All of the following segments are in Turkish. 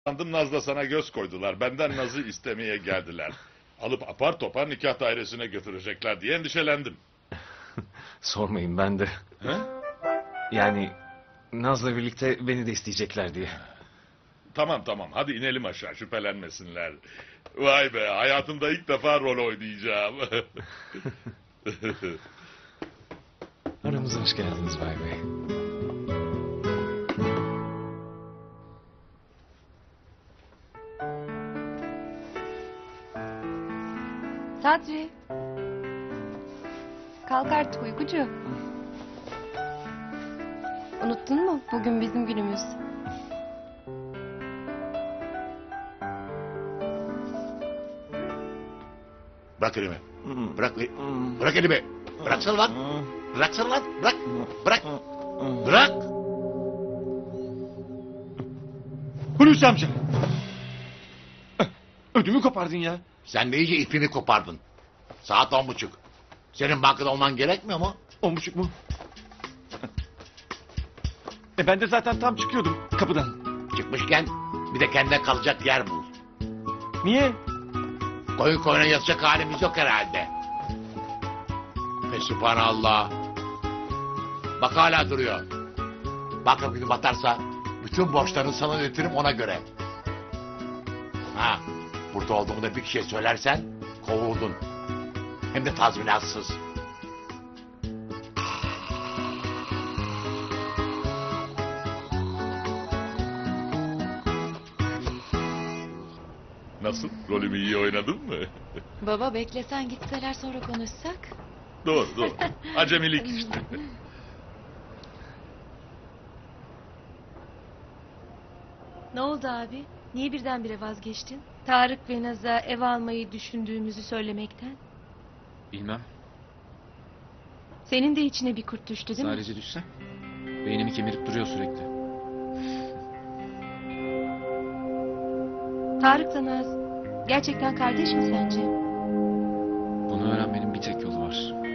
Sandım Naz da sana göz koydular. Benden Naz'ı istemeye geldiler. Alıp apar topar nikah dairesine götürecekler diye endişelendim. Sormayın ben de. He? Yani Naz'la birlikte beni de isteyecekler diye. Tamam tamam, hadi inelim aşağı, şüphelenmesinler. Vay be, hayatımda ilk defa rol oynayacağım. Aramıza hoş geldiniz Bay Bey. Sadri. Kalk artık uykucu. Unuttun mu? Bugün bizim günümüz. Bırak elimi. Bırak. Bırak elimi. Bıraksana lan. Bıraksana lan. Bırak. Bırak. Bırak. Hulusi amca. Ödümü kopardın ya. Sen de iyice ipini kopardın. Saat 10.30. Senin bankada olman gerekmiyor mu? 10.30 mu? Ben de zaten tam çıkıyordum kapıdan. Çıkmışken bir de kendine kalacak yer bul. Niye? Koyun koyuna yatacak halimiz yok herhalde. Subhanallah. Bak hala duruyor. Bak bir batarsa bütün borçlarını sana ödetirim ona göre. Ha, burada olduğumu da bir kişiye söylersen kovuldun. Hem de tazminatsız. Nasıl? Rolümü iyi oynadım mı? Baba beklesen gitseler sonra konuşsak. Doğru doğru. Acemilik işte. Ne oldu abi? Niye birdenbire vazgeçtin? Tarık ve Naz'a ev almayı düşündüğümüzü söylemekten. Bilmem. Senin de içine bir kurt düştü değil mi? Sadece düşse. Beynimi kemirip duruyor sürekli. Tarık'la Naz gerçekten kardeş mi sence? Bunu öğrenmenin bir tek yolu var.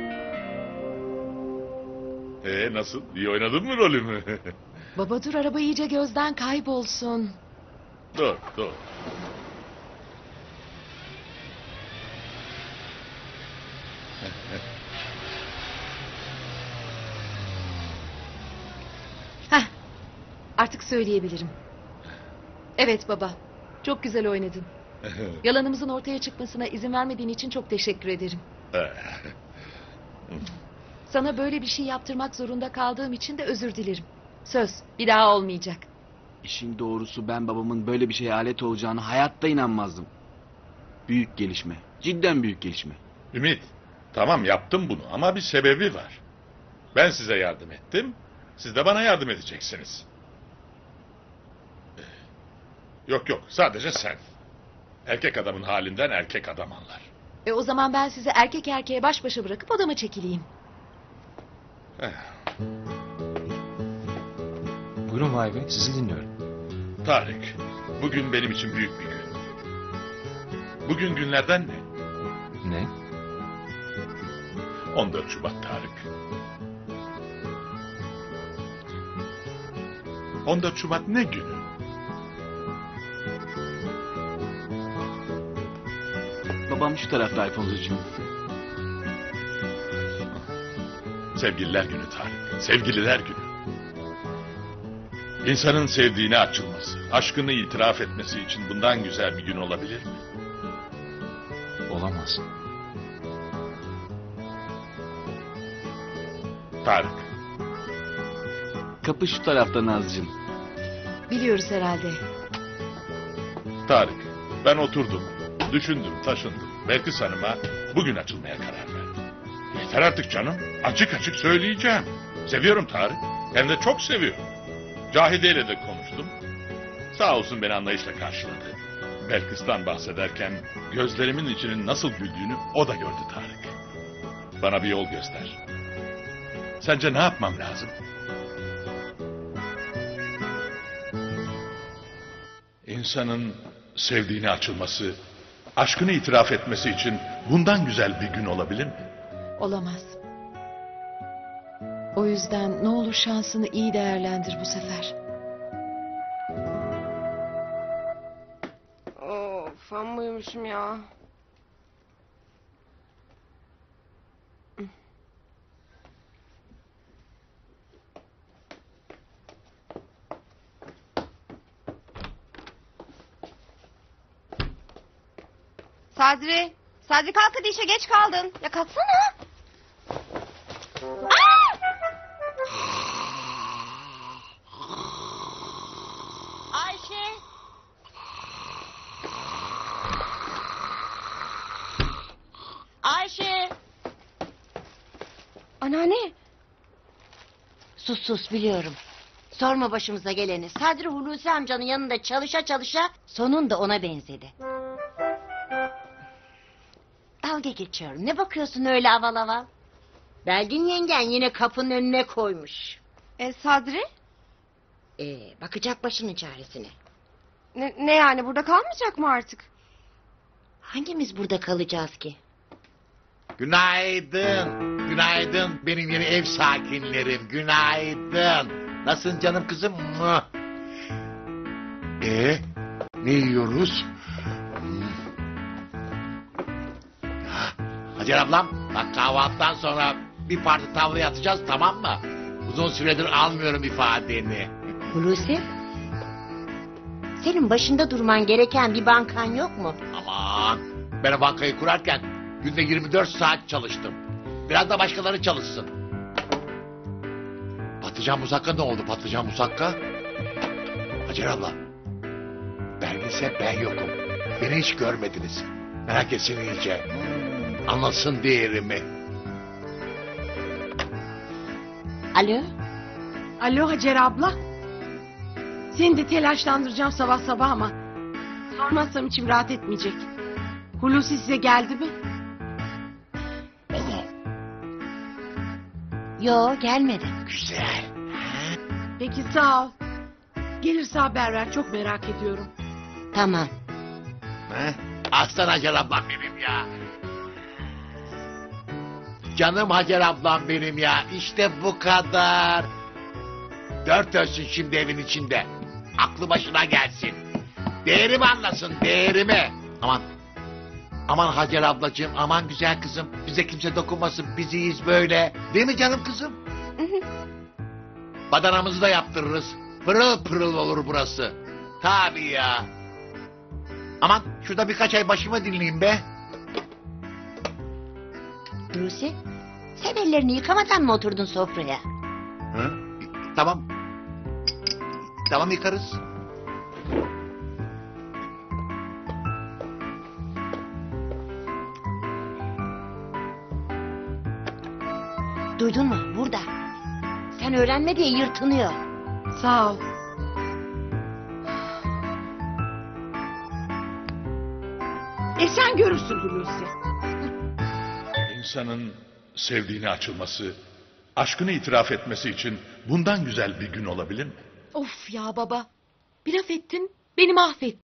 Nasıl? İyi oynadın mı rolümü? Baba dur araba iyice gözden kaybolsun. Doğru doğru. Heh, artık söyleyebilirim. Evet baba, çok güzel oynadın. Yalanımızın ortaya çıkmasına izin vermediğin için çok teşekkür ederim. Sana böyle bir şey yaptırmak zorunda kaldığım için de özür dilerim. Söz, bir daha olmayacak. İşin doğrusu ben babamın böyle bir şeye alet olacağını hayatta inanmazdım. Büyük gelişme. Cidden büyük gelişme. Ümit, tamam yaptım bunu ama bir sebebi var. Ben size yardım ettim, siz de bana yardım edeceksiniz. Yok yok, sadece sen. Erkek adamın halinden erkek adam anlar. O zaman ben sizi erkek erkeğe baş başa bırakıp odama çekileyim. Buyurun Bay Bey, sizi dinliyorum. Tarık, bugün benim için büyük bir gün. Bugün günlerden ne? Ne? 14 Şubat Tarık. 14 Şubat ne günü? Babam şu tarafta Alfonso'cum. Sevgililer günü Tarık. Sevgililer günü. İnsanın sevdiğine açılması, aşkını itiraf etmesi için bundan güzel bir gün olabilir mi? Olamaz. Tarık, Kapı şu tarafta Nazcığım. Biliyoruz herhalde. Tarık, ben oturdum, düşündüm, taşındım. Belkıs Hanım'a bugün açılmaya karar verdim. Yeter artık canım, açık açık söyleyeceğim. Seviyorum Tarık, hem de çok seviyorum. Cahide ile de konuştum. Sağ olsun beni anlayışla karşıladı. Belkıs'tan bahsederken gözlerimin içinin nasıl güldüğünü o da gördü Tarık. Bana bir yol göster. Sence ne yapmam lazım? İnsanın sevdiğine açılması, aşkını itiraf etmesi için bundan güzel bir gün olabilir mi? Olamaz. O yüzden ne olur şansını iyi değerlendir bu sefer. Of amma uyumuşum ya. Sadri. Sadri kalk hadi işe geç kaldın. Ya kalksana. Aa! Ayşe. Ayşe. Anneanne. Sus sus biliyorum. Sorma başımıza geleni. Sadri Hulusi amcanın yanında çalışa çalışa sonunda ona benzedi. Dalga geçiyorum. Ne bakıyorsun öyle aval aval? Belgin yengen yine kapının önüne koymuş. Sadri? Bakacak başının çaresine. Ne yani burada kalmayacak mı artık? Hangimiz burada kalacağız ki? Günaydın. Günaydın benim yeni ev sakinlerim. Günaydın. Nasılsın canım kızım? Mua. Ne yiyoruz? Hacer ablam bak kahvaltıdan sonra bir parti tavlaya atacağız tamam mı? Uzun süredir almıyorum ifadeni. Hulusi? Senin başında durman gereken bir bankan yok mu? Aman ben o bankayı kurarken günde 24 saat çalıştım. Biraz da başkaları çalışsın. Patlıcan musakka ne oldu patlıcan musakka? Hacer abla. Ben ise ben yokum. Beni hiç görmediniz. Merak etsin iyice. Anlasın değerimi. Alo? Alo Hacer abla. Seni de telaşlandıracağım sabah sabah ama sormazsam içim rahat etmeyecek. Hulusi size geldi mi? Yo gelmedi. Güzel. Peki sağ ol. Gelirse haber ver, çok merak ediyorum. Tamam. Aslan Hacer ablam benim ya. Canım Hacer ablam benim ya. İşte bu kadar. Dört ölsün şimdi evin içinde. Aklı başına gelsin. Değerimi anlasın değerimi. Aman. Aman Hacer ablacığım aman güzel kızım. Bize kimse dokunmasın biziyiz böyle. Değil mi canım kızım? Badanamızı da yaptırırız. Pırıl pırıl olur burası. Tabii ya. Aman şurada birkaç ay başımı dinleyeyim be. Hulusi, sen ellerini yıkamadan mı oturdun sofraya? Hı? Tamam. Tamam yıkarız. Duydun mu? Burada. Sen öğrenme diye yırtınıyor. Sağ ol. Sen görürsün Hulusi. İnsanın sevdiğine açılması, aşkını itiraf etmesi için bundan güzel bir gün olabilir mi? Of ya baba. Bir laf ettin beni mahvettin.